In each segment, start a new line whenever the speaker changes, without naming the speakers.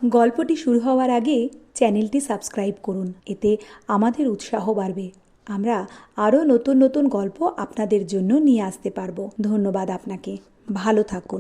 গল্পটি শুরু হওয়ার আগে চ্যানেলটি সাবস্ক্রাইব করুন, এতে আমাদের উৎসাহ বাড়বে। আমরা আরও নতুন নতুন গল্প আপনাদের জন্য নিয়ে আসতে পারবো। ধন্যবাদ আপনাকে। ভালো থাকুন।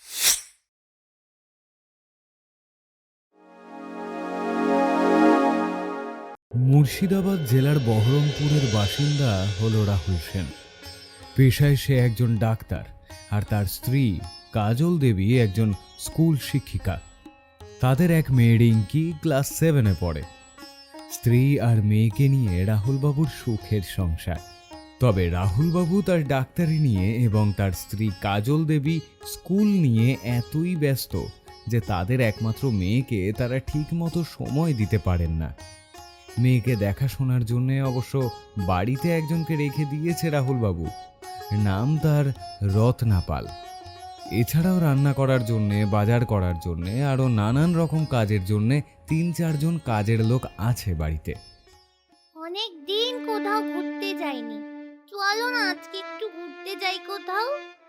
মুর্শিদাবাদ জেলার বহরমপুরের বাসিন্দা হল রাহুল সেন। পেশায় সে একজন ডাক্তার, আর তার স্ত্রী কাজল দেবী একজন স্কুল শিক্ষিকা। তাদের এক মেয়ে রিঙ্কি ক্লাস 7-এ পড়ে। স্ত্রী আর মেয়েকে নিয়ে রাহুলবাবুর সুখের সংসার। তবে রাহুলবাবু তার ডাক্তারি নিয়ে এবং তার স্ত্রী কাজল দেবী স্কুল নিয়ে এতই ব্যস্ত যে তাদের একমাত্র মেয়েকে তারা ঠিকমতো সময় দিতে পারেন না। মেয়েকে দেখাশোনার জন্য অবশ্য বাড়িতে একজনকে রেখে দিয়েছে রাহুলবাবু। নাম তার রত্না পাল। এছাড়াও রান্না করার জন্যে, বাজার করার জন্যে, আরও নানান রকম কাজের জন্যে 3-4 জন কাজের লোক আছে বাড়িতে।
অনেক দিন কোথাও ঘুরতে যাইনি, চলো না আজকে একটু ঘুরতে যাই কোথাও।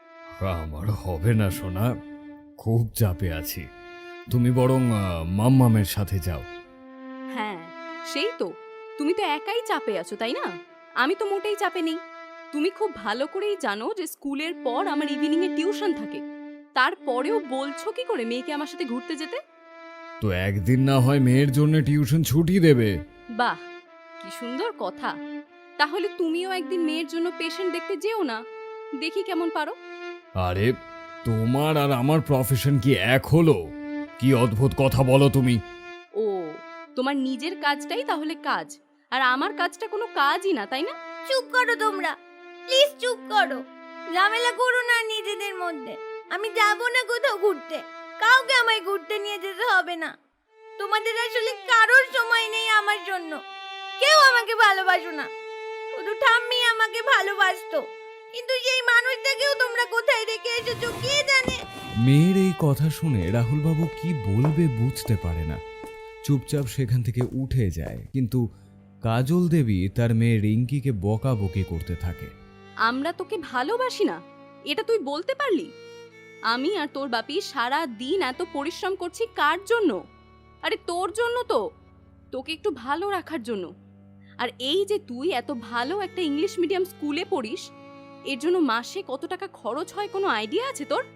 আমার হবে না সোনা, খুব চাপে আছি। তুমি বরং মাম্মামের সাথে যাও।
হ্যাঁ, সেই তো, তুমি তো একাই চাপে আছো, তাই না? আমি তো মোটেই চাপে নেই। তুমি খুব ভালো করেই জানো যে স্কুলের পর আমার ইভিনিং এ টিউশন থাকে। তারপরেও বলছো কি করে মেয়েকে আমার সাথে ঘুরতে যেতে?
তো একদিন না হয় মেয়ের জন্য টিউশন ছুটি দেবে।
বাহ, কি সুন্দর কথা। তাহলে তুমিও একদিন মেয়ের জন্য পেশেন্ট দেখতে যেও না, দেখি কেমন পারো।
আরে, তোমার আর আমার প্রফেশন কি এক হলো? কি অদ্ভুত কথা বলো তুমি।
ও, তোমার নিজের কাজটাই তাহলে কাজ, আর আমার কাজটা কোনো কাজই না, তাই না?
চুপ করো তোমরা, প্লিজ চুপ করো। ঝামেলা করো না নিজেদের মধ্যে। আমি যাব না কোথাও ঘুরতে, কাউকে আমায় ঘুরতে নিয়ে যেতে হবে না। তোমাদের আসলে কারোর সময় নেই আমার জন্য। কেউ আমাকে ভালোবাসো না, শুধু ঠাম্মি আমাকে ভালোবাসতো, কিন্তু সেই মানুষটাকেও তোমরা কোথায় রেখে এসেছো কে জানে।
মেয়ের এই কথা শুনে রাহুলবাবু কি বলবে বুঝতে পারে না। চুপচাপ সেখান থেকে উঠে যায়, কিন্তু কাজল দেবী তার মেয়ে রিঙ্কিকে বকাবকি করতে থাকে।
আমরা তোকে ভালোবাসি না, এটা তুই বলতে পারলি? আমি আর তোর বাপি সারা দিন এত পরিশ্রম করছি কার জন্য? আরে তোর জন্য তো, তোকে একটু ভালো রাখার জন্য। আর এই যে তুই এত ভালো একটা ইংলিশ মিডিয়াম স্কুলে পড়িস, এর জন্য মাসে কত টাকা খরচ হয় কোনো আইডিয়া আছে তোর?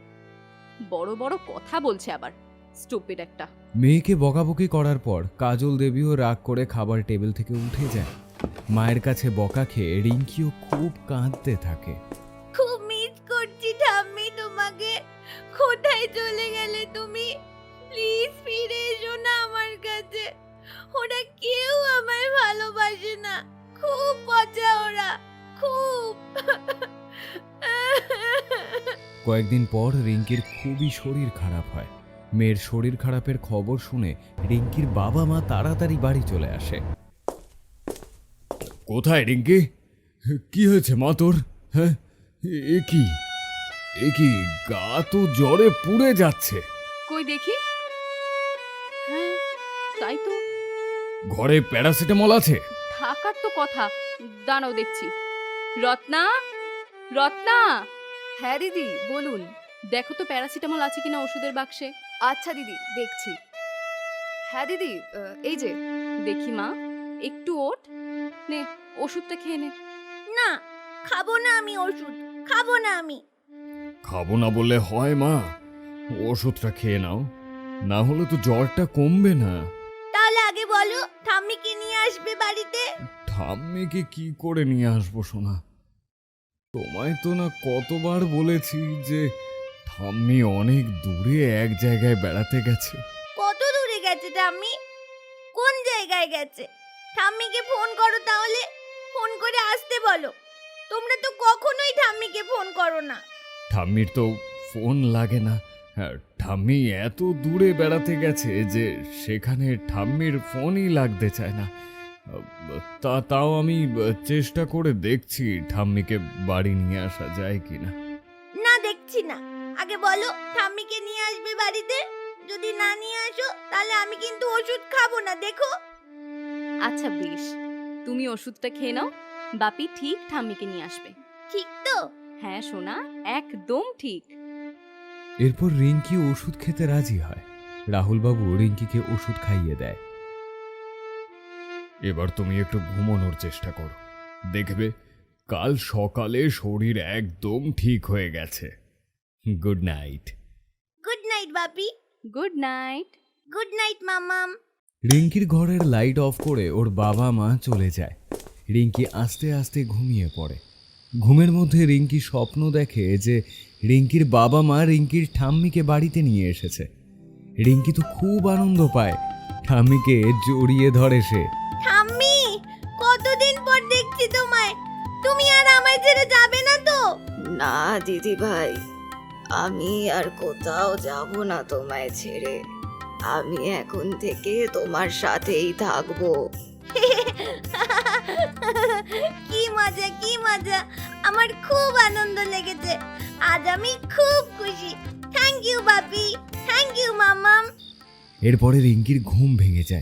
বড় বড় কথা বলছে আবার, স্টুপিড একটা।
মেয়েকে বকাবকি করার পর কাজল দেবীও রাগ করে খাবার টেবিল থেকে উঠে যায়। মায়ের কাছে বকা খেয়ে রিঙ্কিও খুব কাঁদতে থাকে।
খুব মিস করছি ঠাম্মি তোমাকে। কোথায় চলে গেলে তুমি? প্লিজ ফিরে এসো না আমার কাছে। ওরা কেউ আমায় ভালোবাসে না, খুব পচা ওরা, খুব।
কয়েকদিন পর রিঙ্কির খুবই শরীর খারাপ হয়। মেয়ের শরীর খারাপের খবর শুনে রিঙ্কির বাবা মা তাড়াতাড়ি বাড়ি চলে আসে। কোথায় রিঙ্কি? কি হয়েছে মা তোর? হ্যাঁ, এ কি গা তো জ্বরে পুড়ে যাচ্ছে।
কই দেখি। হ্যাঁ, তাই তো,
ঘরে প্যারাসিটামল আছে?
থাকার তো কথা। দাঁড়াও দেখছি। রত্না, রত্না।
হ্যাঁ দিদি বলুন।
দেখো তো প্যারাসিটামল আছে কিনা ওষুধের বাক্সে।
আচ্ছা দিদি দেখছি। হ্যাঁ দিদি, এই যে।
দেখি মা, একটু ওঠ, নে ওষুধটা খেয়ে নে।
না, খাবো না আমি ওষুধ, খাবো না আমি।
খাবো না বললে হয় মা, ওষুধটা খেয়ে নাও, না হলে তো জ্বরটা কমবে না।
তাহলে আগে বলো ঠাম্মিকে নিয়ে আসবে বাড়িতে।
ঠাম্মিকে কি করে নিয়ে আসবো সোনা? তোমায় তো না কতবার বলেছি যে ঠাম্মি অনেক দূরে এক জায়গায় বেড়াতে গেছে।
কত দূরে গেছে ঠাম্মি? কোন জায়গায় গেছে? ঠাম্মিকে ফোন করো তাহলে, ফোন করে আসতে বলো। তোমরা তো কখনোই ঠাম্মিকে ফোন করো না।
ঠাম্মির তো ফোন লাগে না। হ্যাঁ, ঠাম্মি এত দূরে বেড়াতে গেছে যে সেখানে ঠাম্মির ফোনই লাগতে চায় না। তাও আমি চেষ্টা করে দেখছি ঠাম্মিকে বাড়ি নিয়ে আসা যায় কিনা।
না, দেখছি না। আগে বলো ঠাম্মিকে নিয়ে আসবে বাড়িতে। যদি না নিয়ে আসো তাহলে আমি কিন্তু ওষুধ খাবো না, দেখো।
আচ্ছা বেশ, তুমি ওষুধটা খেয়ে নাও, বাপি ঠিক ঠাম্মিকে নিয়ে আসবে।
ঠিক তো?
হ্যাঁ সোনা, একদম ঠিক।
এরপর রিঙ্কি ওষুধ খেতে রাজি হয়। রাহুলবাবু রিঙ্কিকে ওষুধ খাইয়ে দেয়। এবার তুমি একটু ঘুমানোর চেষ্টা করো, দেখবে কাল সকালে শরীর একদম ঠিক হয়ে গেছে। Good night.
গুড নাইট বাপি।
Good night.
গুড নাইট মামাম।
রিঙ্কির ঘরের লাইট অফ করে ওর বাবা মা চলে যায়। রিঙ্কি আস্তে আস্তে ঘুমিয়ে পড়ে। ঘুমের মধ্যে রিঙ্কি স্বপ্ন দেখে যে রিঙ্কির বাবা মা রিঙ্কির ঠাম্মিকে বাড়িতে নিয়ে এসেছে। রিঙ্কি তো খুব আনন্দ পায়, ঠাম্মিকে জড়িয়ে ধরে সে।
ঠাম্মি, কতদিন পর দেখছি তোমায়। তুমি আর আমায় ছেড়ে যাবে না তো?
না দিদি ভাই, আমি আর কোথাও যাব না তোমায় ছেড়ে। আমি এখন থেকে তোমার সাথেই থাকবো।
কি মজা, কি মজা। আমার খুব আনন্দ লেগেছে। আজ আমি খুব খুশি। থ্যাংক ইউ বাপি, থ্যাংক ইউ মামাম।
এরপরে রিঙ্কির ঘুম ভেঙে যায়।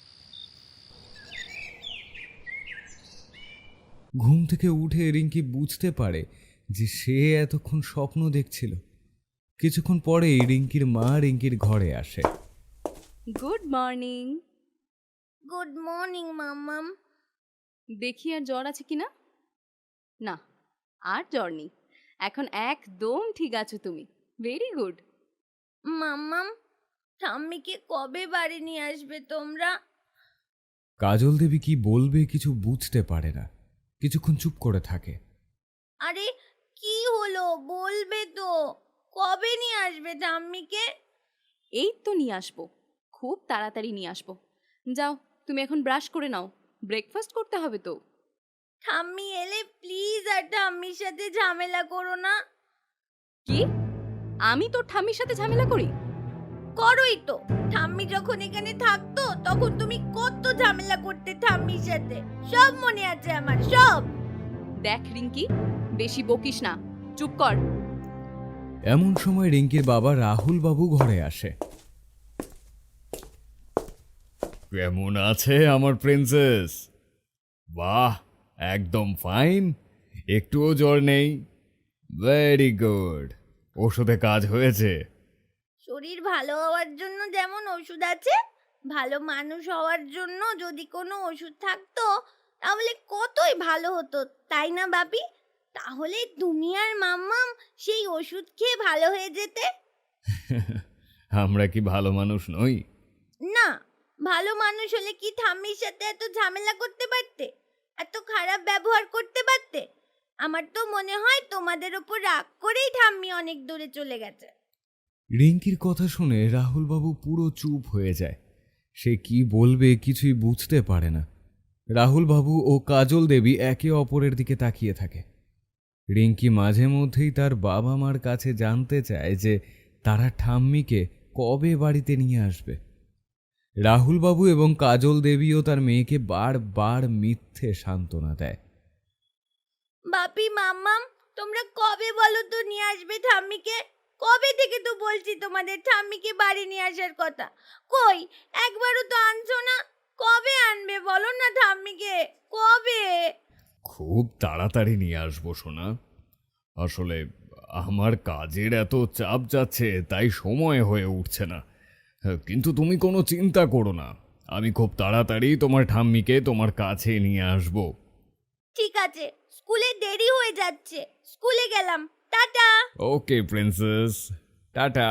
ঘুম থেকে উঠে রিঙ্কি বুঝতে পারে যে সে এতক্ষণ স্বপ্ন দেখছিল। কিছুক্ষণ পরেই রিঙ্কির মা রিঙ্কির ঘরে আসে।
Good morning.
গুড মর্নিং মামাম।
দেখি আর জ্বর আছে কিনা। না, আর জ্বর নেই। এখন একদম ঠিক আছো তুমি। Very good.
মামাম, ঠাম্মিকে কবে বাড়ি নিয়ে আসবে তোমরা?
কাজল দেবী কি বলবে কিছু বুঝতে পারে না, কিছুক্ষণ চুপ করে থাকে।
আরে কি হলো, বলবে তো। কবে নিয়ে আসবে ঠাম্মিকে?
এই তো নিয়ে আসবো, খুব তাড়াতাড়ি নিয়ে আসবো। যাও, তুমি এখন ব্রাশ করে নাও, ব্রেকফাস্ট করতে হবে তো।
ঠাম্মি এলে প্লিজ আর ঠাম্মির সাথে ঝামেলা করো না।
কি? আমি তোর ঠাম্মির সাথে ঝামেলা করি?
করোই তো। ঠাম্মি যখন এখানে থাকতো তখন তুমি কত ঝামেলা করতে ঠাম্মির সাথে, সব মনে আছে আমার, সব।
দেখ রিঙ্কি, বেশি বকিস না, চুপ কর।
এমন সময় রিঙ্কির বাবা রাহুল বাবু ঘরে আসে। কেমন আছে আমার প্রিন্সেস? বাহ, একদম ফাইন, একটুও জ্বর নেই। Very good. ওষুধে কাজ হয়েছে?
শরীর ভালো হওয়ার জন্য যেমন ওষুধ আছে, ভালো মানুষ হওয়ার জন্য যদি কোনো ওষুধ থাকতো তাহলে কতই ভালো হতো, তাই না বাপি? তাহলে তুমি আর মাম্মাম সেই ওষুধ খেয়ে ভালো হয়ে যেতে।
আমরা কি ভালো মানুষ নই?
না, ভালো মানুষ হলে কি ঠাম্মির সাথে এত ঝামেলা করতে পারতে, এত খারাপ ব্যবহার করতে পারতে? আমার তো মনে হয় তোমাদের ওপর রাগ করেই ঠাম্মি অনেক দূরে চলে গেছে।
রিঙ্কির কথা শুনে রাহুল বাবু পুরো চুপ হয়ে যায়। সে কি বলবে কিছুই বুঝতে পারে না। রাহুল বাবু ও কাজল দেবী একে অপরের দিকে তাকিয়ে থাকে। রিঙ্কি মাঝে মধ্যেই তার বাবা মার কাছে জানতে চায় যে তারা ঠাম্মিকে কবে বাড়িতে নিয়ে আসবে। রাহুল বাবু এবং কাজল দেবীও তার মেয়েকে বারবার মিথ্যে সান্ত্বনা দেয়।
বাপি মাম্মাম, তোমরা কবে বলো তো নিয়ে আসবে ঠাম্মিকে? কবে থেকে তো বলছি তোমাদের ঠাম্মিকে বাড়ি নিয়ে আসার কথা, কই একবারও তো আনছো না। কবে আনবে বলো না ঠাম্মিকে, কবে?
খুব তাড়াতাড়ি নিয়ে আসবো সোনা। আসলে আমার কাজের এত চাপ যাচ্ছে তাই সময় হয়ে উঠছে না, কিন্তু তুমি কোনো চিন্তা করো না, আমি খুব তাড়াতাড়ি তোমার ঠাম্মিকে তোমার কাছে নিয়ে আসবো।
ঠিক আছে, স্কুলে দেরি হয়ে যাচ্ছে, স্কুলে গেলাম, টাটা।
ওকে প্রিন্সেস, টাটা।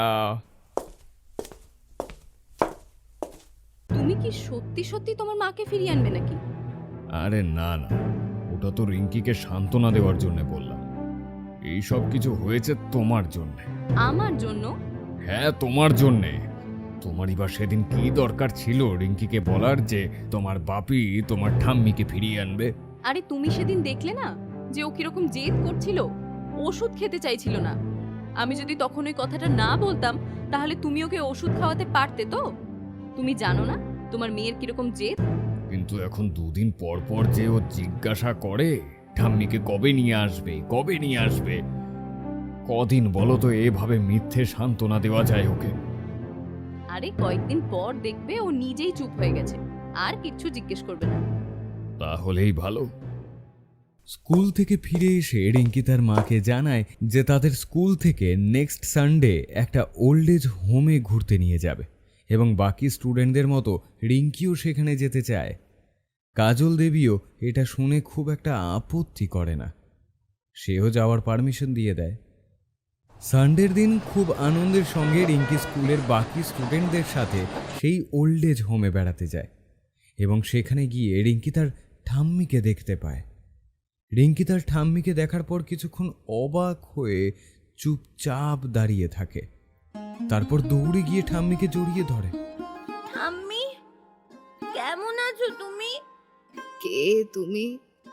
তুমি কি সত্যি সত্যি তোমার মাকে ফিরিয়ে আনবে নাকি?
আরে না না, ওটা তো রিঙ্কিকে সান্ত্বনা দেওয়ার জন্য বললাম। এই সব কিছু হয়েছে তোমার জন্য।
আমার জন্য?
হ্যাঁ, তোমার জন্যে। তোমারই বা সেদিন কি দরকার ছিল রিঙ্কিকে বলার যে তোমার বাপি তোমার ঠাম্মিকে ফিরিয়ে আনবে?
আরে তুমি সেদিন দেখলে না যে ও কিরকম জেদ করছিল, ওষুধ খেতে চাইছিল না। আমি যদি তখন ওই কথাটা না বলতাম তাহলে তুমি ওকে ওষুধ খাওয়াতে পারতে তো? তুমি জানো না তোমার মেয়ের কিরকম জেদ?
কিন্তু এখন দুদিন পর পর যে ও জিজ্ঞাসা করে ঠাম্মিকে কবে নিয়ে আসবে, কবে নিয়ে আসবে, কদিন বলো তো এভাবে মিথ্যে সান্ত্বনা দেওয়া যায় ওকে?
আরে কয়েকদিন পর দেখবে ও নিজেই চুপ হয়ে গেছে, আর কিচ্ছু জিজ্ঞেস করবে না।
তাহলেই ভালো। স্কুল থেকে ফিরে এসে রিঙ্কি তার মাকে জানায় যে তাদের স্কুল থেকে নেক্সট সানডে একটা ওল্ড এজ হোমে ঘুরতে নিয়ে যাবে এবং বাকি স্টুডেন্টদের মতো রিঙ্কিও সেখানে যেতে চায়। কাজল দেবীও এটা শুনে খুব একটা আপত্তি করে না, সেও যাওয়ার পারমিশন দিয়ে দেয়। সানডের দিন খুব আনন্দের সঙ্গে রিঙ্কি স্কুলের বাকি স্টুডেন্টদের সাথে সেই ওল্ড এজ হোমে বেড়াতে যায় এবং সেখানে গিয়ে রিঙ্কি তার ঠাম্মিকে দেখতে পায়। রিঙ্কি তার ঠাম্মিকে দেখার পর কিছুক্ষণ অবাক হয়ে চুপচাপ দাঁড়িয়ে থাকে, তারপর দৌড়ে গিয়ে ঠাম্মিকে জড়িয়ে ধরে।
ঠাম্মি, কেমন আছো তুমি?
কে তুমি?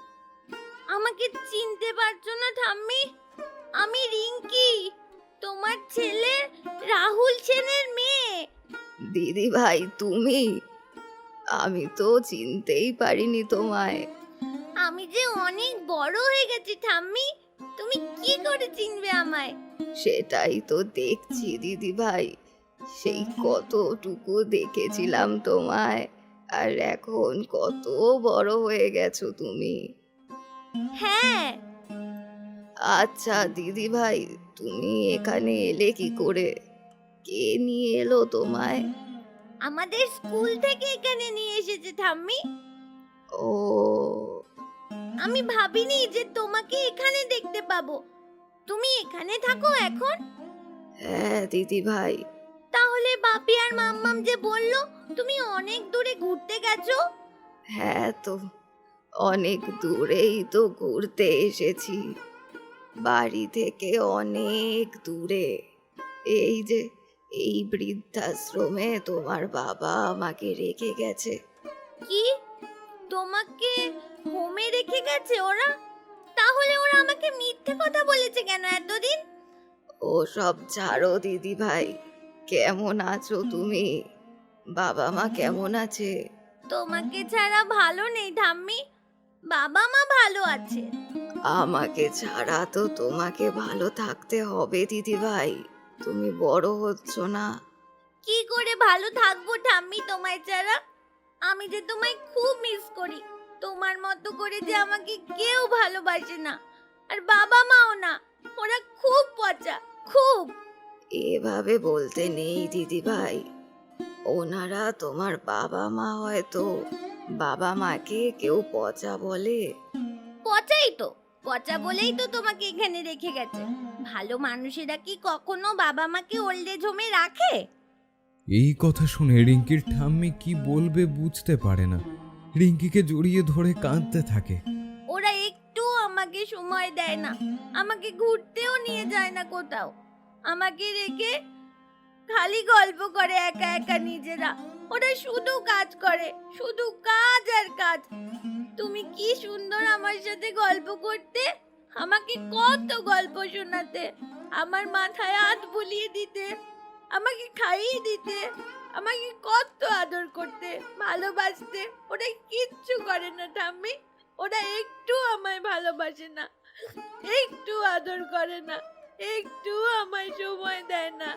আমাকে চিনতে পারছো না ঠাম্মি? আমি রিঙ্কি, তোমার ছেলে রাহুল সেনের মেয়ে।
দিদি ভাই তুমি? আমি তো চিনতেই পারিনি তোমায়।
আমি যে অনেক বড় হয়ে গেছি ঠাম্মি, তুমি কি করে চিনবে আমায়?
সেটাই তো দেখছি দিদি ভাই, সেই কতটুকু দেখেছিলাম তোমায়, আর এখন কত বড় হয়ে গেছো তুমি।
হ্যাঁ,
আচ্ছা দিদি ভাই, তুমি এখানে এলে কি করে? কে নিয়ে এলো তোমায়?
আমাদের স্কুল থেকে এখানে নিয়ে এসেছে ঠাম্মি।
ও,
আমি ভাবিনি যে তোমাকে এখানে দেখতে পাবো। তুমি এখানে থাকো এখন?
হ্যাঁ দিদি ভাই।
তাহলে বাপি আর মাম্মাম যে বললো তুমি অনেক দূরে ঘুরতে গেছো।
হ্যাঁ তো, অনেক দূরেই তো ঘুরতে এসেছি, বাড়ি থেকে অনেক দূরে। এই যে এই বৃদ্ধাশ্রমে তোমার বাবা আমাকে রেখে গেছে।
কি, তোমাকে হোমে রেখে গেছে ওরা? তাহলে ওরা আমাকে মিথ্যে কথা বলেছে কেন এতদিন?
ও সব ছাড়ো দিদি ভাই, কেমন আছো তুমি? বাবা মা কেমন আছে?
তোমাকে ছাড়া ভালো নেই ঠাম্মি, বাবা মা ভালো আছে।
আমাকে ছাড়া তো তোমাকে ভালো থাকতে হবে দিদি ভাই, তুমি বড় হচ্ছ না।
কি করে ভালো থাকবো ঠাম্মি তোমায় ছাড়া? আমি যে তোমায় খুব মিস করি। তোমার মতো করে যে আমাকে কেউ ভালোবাসে না, আর বাবা মাও না, ওরা খুব পচা, খুব।
এভাবে বলতে নেই দিদি ভাই, ওনারা তোমার বাবা মা, হয়তো বাবা মাকে কেউ পচা বলে।
পচাই তো, পচা বলেই তো তোমাকে এখানে রেখে গেছে। ভালো মানুষেরা কি কখনো বাবা মাকে ওল্ড এজ হোমে রাখে?
এই কথা শুনে রিঙ্কির ঠাম্মি কি বলবে বুঝতে পারে না, রিঙ্কিকে জড়িয়ে ধরে কাঁদতে থাকে।
ওরা একটু আমাকে সময় দেয় না, আমাকে ঘুরতেও নিয়ে যায় না কোথাও। আমাকে রেখে খালি গল্প করে একা একা নিজেরা। ওরা শুধু কাজ করে, শুধু কাজ আর কাজ। তুমি কি সুন্দর আমার সাথে গল্প করতে, আমাকে কত গল্প শোনাতে, আমার মাথায় হাত বুলিয়ে দিতে, আমাকে খাইয়ে দিতে, আমাকে কত আদর করতে, ভালোবাসতে। ওরা কিচ্ছু করে না ঠাম্মি, ওরা একটু আমায় ভালোবাসে না, একটু আদর করে না, একটু আমায় সময় দেয় না।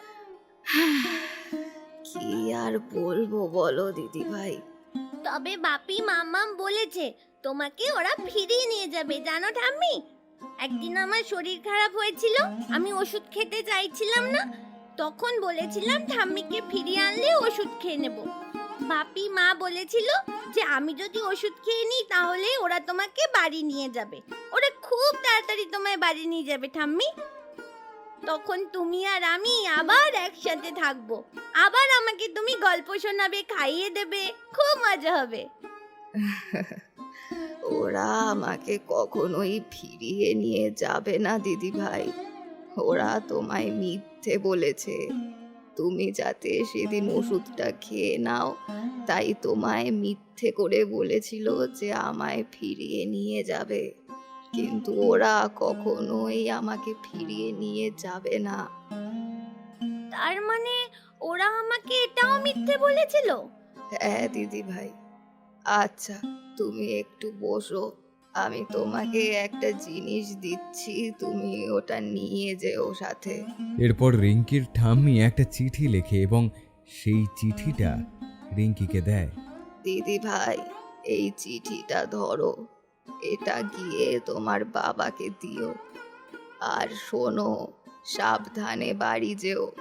কি আর বলবো বলো দিদি ভাই।
তবে বাপি মাম্মাম বলেছে তোমাকে ওরা ফিরিয়ে নিয়ে যাবে, জানো ঠাম্মি? একদিন আমার শরীর খারাপ হয়েছিল, আমি ওষুধ খেতে চাইছিলাম না, তখন বলেছিলাম ঠাম্মিকে ফিরিয়ে আনলে ওষুধ খেয়ে নেব। বাপি মা বলেছিল যে আমি যদি ওষুধ খেয়ে নিই তাহলে ওরা তোমাকে বাড়ি নিয়ে যাবে, ওরা খুব তাড়াতাড়ি তোমায় বাড়ি নিয়ে যাবে ঠাম্মি। তখন তুমি আর আমি আবার একসাথে থাকবো, আবার আমাকে তুমি গল্প শোনাবে, খাইয়ে দেবে, খুব মজা হবে।
ওরা আমাকে কখনোই ফিরিয়ে নিয়ে যাবে না দিদি ভাই, ওরা তোমায় মিথ্যে বলেছে। তুমি যাতে সেদিন ওষুধটা খেয়ে নাও, তাই তোমায় মিথ্যে করে বলেছিল যে আমায় ফিরিয়ে নিয়ে যাবে, কিন্তু ওরা কখনোই আমাকে ফিরিয়ে নিয়ে যাবে না।
তার মানে ওরা আমাকে এটাও মিথ্যে বলেছিল?
হ্যাঁ দিদি ভাই। আচ্ছা তুমি একটু বসো, আমি তোমাকে একটা জিনিস দিচ্ছি, তুমি ওটা নিয়ে যেও সাথে।
এরপর রিঙ্কির ঠাম্মি একটা চিঠি লেখে এবং সেই চিঠিটা রিঙ্কিকে দেয়।
দিদি ভাই, এই চিঠিটা ধরো, এটা গিয়ে তোমার বাবাকে দিও, আর শোনো, সাবধানে বাড়ি যেও,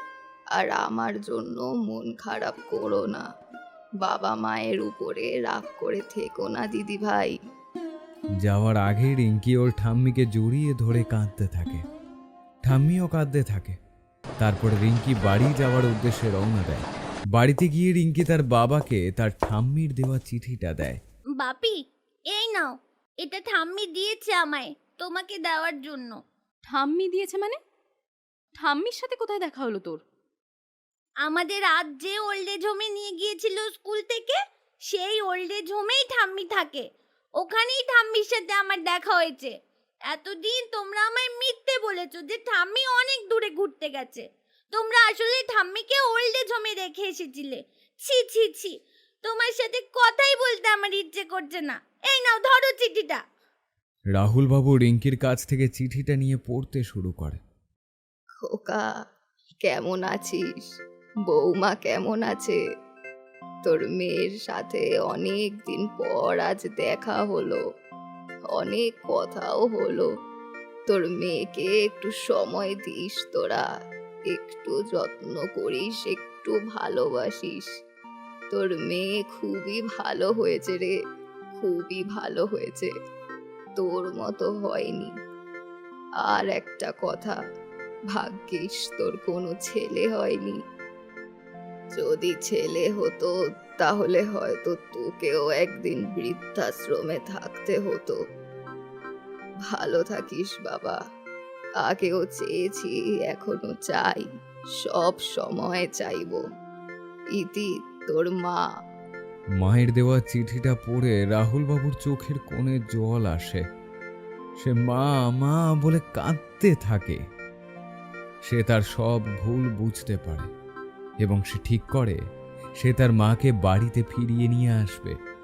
আর আমার জন্য মন খারাপ করো না। বাবা মায়ের উপরে রাগ করে থেকো না দিদি ভাই।
যাওয়ার আগে রিঙ্কি ওর ঠাম্মিকে জড়িয়ে ধরে কাঁদতে থাকে। ঠাম্মিও কাঁদতে থাকে। তারপর রিঙ্কি বাড়ি যাওয়ার উদ্দেশ্যে রওনা দেয়। বাড়িতে গিয়ে রিঙ্কি তার বাবাকে তার ঠাম্মির দেওয়া চিঠিটা দেয়।
বাপি, এই নাও, এটা ঠাম্মি দিয়েছে আমায় তোমাকে দেওয়ার জন্য।
ঠাম্মি দিয়েছে মানে? ঠাম্মির সাথে কোথায় দেখা হলো তোর?
আমাদের আজ যে ওল্ড এজ হোমে নিয়ে গিয়েছিল স্কুল থেকে, সেই ওল্ড এজ হোমেই ঠাম্মি থাকে। ওখানেই ঠাম্মির সাথে আমার দেখা হয়েছে। এতদিন তোমরা আমায় মিথ্যে বলেছো যে ঠাম্মি অনেক দূরে ঘুরতে গেছে। তোমরা আসলে ঠাম্মিকে ওল্ড এজ হোমে রেখে এসেছিলে। ছি ছি ছি, তোমার সাথে কথাই বলতে আমার ইচ্ছে করছে না। এই নাও, ধরো চিঠিটা।
রাহুল বাবু রিঙ্কির কাছ থেকে চিঠিটা নিয়ে পড়তে শুরু করে।
খোকা, কেমন আছিস? বৌমা কেমন আছে? তোর মেয়ের সাথে অনেক দিন পর আজ দেখা হলো, অনেক কথাও হলো। তোর মেয়েকে একটু সময় দিস তোরা, একটু যত্ন করিস, একটু ভালোবাসিস। তোর মেয়ে খুবই ভালো হয়েছে রে, খুবই ভালো হয়েছে, তোর মতো হয়নি। আর একটা কথা, ভাগ্যিস তোর কোনো ছেলে হয়নি। যদি ছেলে হতো তাহলে হয়তো তোকেও একদিন বৃদ্ধাশ্রমে থাকতে হতো। ভালো থাকিস বাবা। আগেও চেয়েছি, এখনো চাই, সব সময় চাইবো। ইতি, তোর মা।
মায়ের দেওয়া চিঠিটা পড়ে রাহুল বাবুর চোখের কোণে জল আসে। সে মা মা বলে কাঁদতে থাকে। সে তার সব ভুল বুঝতে পারে এবং সে ঠিক করে সে তার মাকে বাড়িতে ফিরিয়ে নিয়ে আসবে।